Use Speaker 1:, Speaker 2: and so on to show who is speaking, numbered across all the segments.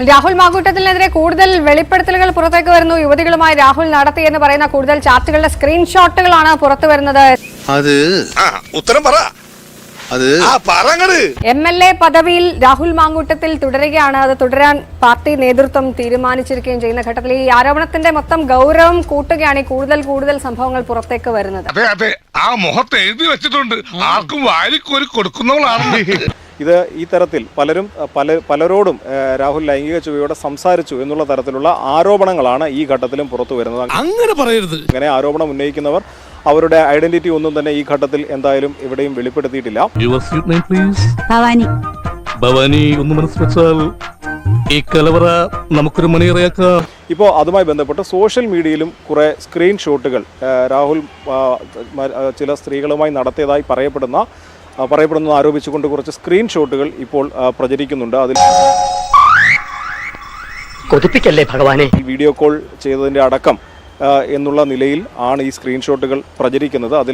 Speaker 1: രാഹുൽ മാങ്കൂട്ടത്തിനെതിരെ കൂടുതൽ വെളിപ്പെടുത്തലുകൾ പുറത്തേക്ക് വരുന്നു. യുവതികളുമായി രാഹുൽ നടത്തിയെന്ന് പറയുന്ന കൂടുതൽ ചാറ്റുകളുടെ സ്ക്രീൻഷോട്ടുകളാണ് പുറത്തു വരുന്നത്.
Speaker 2: ഉത്തരം പറ.
Speaker 1: MLA പദവിയിൽ രാഹുൽ മാങ്കൂട്ടത്തിൽ തുടരുകയാണ്. അത് തുടരാൻ പാർട്ടി നേതൃത്വം തീരുമാനിച്ചിരിക്കുകയും ചെയ്യുന്ന ഘട്ടത്തിൽ ഈ ആരോപണത്തിന്റെ മൊത്തം ഗൗരവം കൂട്ടുകയാണ് ഈ കൂടുതൽ സംഭവങ്ങൾ പുറത്തേക്ക് വരുന്നത്.
Speaker 2: ആ മുഖത്ത് എഴുതി വെച്ചിട്ടുണ്ട്, ആർക്കും വാരിക്കോരി കൊടുക്കുന്നവളാണ്.
Speaker 3: ഇത് ഈ തരത്തിൽ പലരോടും രാഹുൽ ലൈംഗിക ചുവയോടെ സംസാരിച്ചു എന്നുള്ള തരത്തിലുള്ള ആരോപണങ്ങളാണ് ഈ ഘട്ടത്തിലും പുറത്തു വരുന്നത്.
Speaker 2: അങ്ങനെ പറയരുത്.
Speaker 3: ഇങ്ങനെ ആരോപണം ഉന്നയിക്കുന്നവർ അവരുടെ ഐഡന്റിറ്റി ഒന്നും തന്നെ ഈ ഘട്ടത്തിൽ എന്തായാലും എവിടെയും വെളിപ്പെടുത്തിയിട്ടില്ല. ഇപ്പോൾ അതുമായി ബന്ധപ്പെട്ട് സോഷ്യൽ മീഡിയയിലും കുറെ സ്ക്രീൻഷോട്ടുകൾ രാഹുൽ ചില സ്ത്രീകളുമായി നടത്തിയതായി പറയപ്പെടുന്നു ആരോപിച്ചുകൊണ്ട് കുറച്ച് സ്ക്രീൻഷോട്ടുകൾ ഇപ്പോൾ പ്രചരിക്കുന്നുണ്ട്. അതിൽ
Speaker 4: കൊതിപ്പിക്കല്ലേ ഭഗവാനെ,
Speaker 3: വീഡിയോ കോൾ ചെയ്തതിന്റെ അടക്കം എന്നുള്ള നിലയിൽ ആണ് ഈ സ്ക്രീൻഷോട്ടുകൾ പ്രചരിക്കുന്നത്. അതിൽ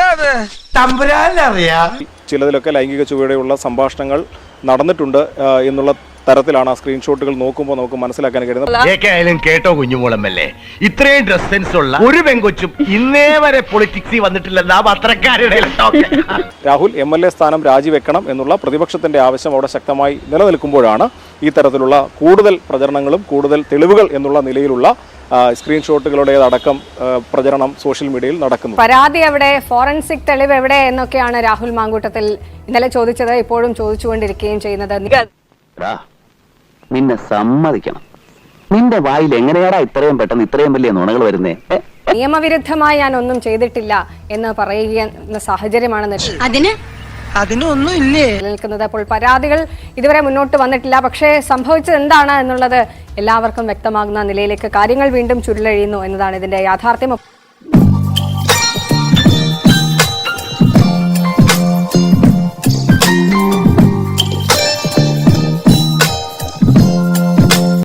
Speaker 3: ചിലതിലൊക്കെ ലൈംഗിക ചുവയോടെയുള്ള സംഭാഷണങ്ങൾ നടന്നിട്ടുണ്ട് എന്നുള്ള തരത്തിലാണ് ആ സ്ക്രീൻഷോട്ടുകൾ നോക്കുമ്പോൾ നമുക്ക് മനസ്സിലാക്കാൻ കഴിയുന്നത്.
Speaker 4: കേട്ടോ കുഞ്ഞുമോളമ്മല്ലേ, ഇത്രയും ഡ്രസ് സെൻസ് ഉള്ള ഒരു പെങ്കൊച്ചും ഇന്നേ വരെ പൊളിറ്റിക്സിൽ വന്നിട്ടില്ലെന്നാ പത്രക്കാരുടെ.
Speaker 3: രാഹുൽ MLA സ്ഥാനം രാജിവെക്കണം എന്നുള്ള പ്രതിപക്ഷത്തിന്റെ ആവശ്യം അവിടെ ശക്തമായി നിലനിൽക്കുമ്പോഴാണ് ഈ തരത്തിലുള്ള കൂടുതൽ പ്രചരണങ്ങളും കൂടുതൽ തെളിവുകൾ എന്നുള്ള നിലയിലുള്ള സ്ക്രീൻഷോട്ടുകളുടേതടക്കം പ്രചരണം സോഷ്യൽ മീഡിയയിൽ നടക്കുന്നു.
Speaker 1: പരാതി എവിടെ, ഫോറൻസിക് തെളിവ് എവിടെ എന്നൊക്കെയാണ് രാഹുൽ മാങ്കൂട്ടത്തിൽ ഇന്നലെ ചോദിച്ചത്, ഇപ്പോഴും ചോദിച്ചുകൊണ്ടിരിക്കുകയും ചെയ്യുന്നത്.
Speaker 5: നിന്നെ സമ്മതിക്കണം, നിന്റെ വായിൽ എങ്ങനെയാടാ ഇത്രയും പെട്ടെന്ന് ഇത്രയും വലിയ നുണകൾ വരുന്നേ?
Speaker 1: നിയമവിരുദ്ധമായി ഞാൻ ഒന്നും ചെയ്തിട്ടില്ല എന്ന് പറയുന്ന സാഹചര്യമാണ് നിലനിൽക്കുന്നത്. അപ്പോൾ പരാതികൾ ഇതുവരെ മുന്നോട്ട് വന്നിട്ടില്ല. പക്ഷേ സംഭവിച്ചത് എന്താണ് എന്നുള്ളത് എല്ലാവർക്കും വ്യക്തമാകുന്ന നിലയിലേക്ക് കാര്യങ്ങൾ വീണ്ടും ചുരുളഴിയുന്നു എന്നതാണ് ഇതിന്റെ യാഥാർത്ഥ്യം.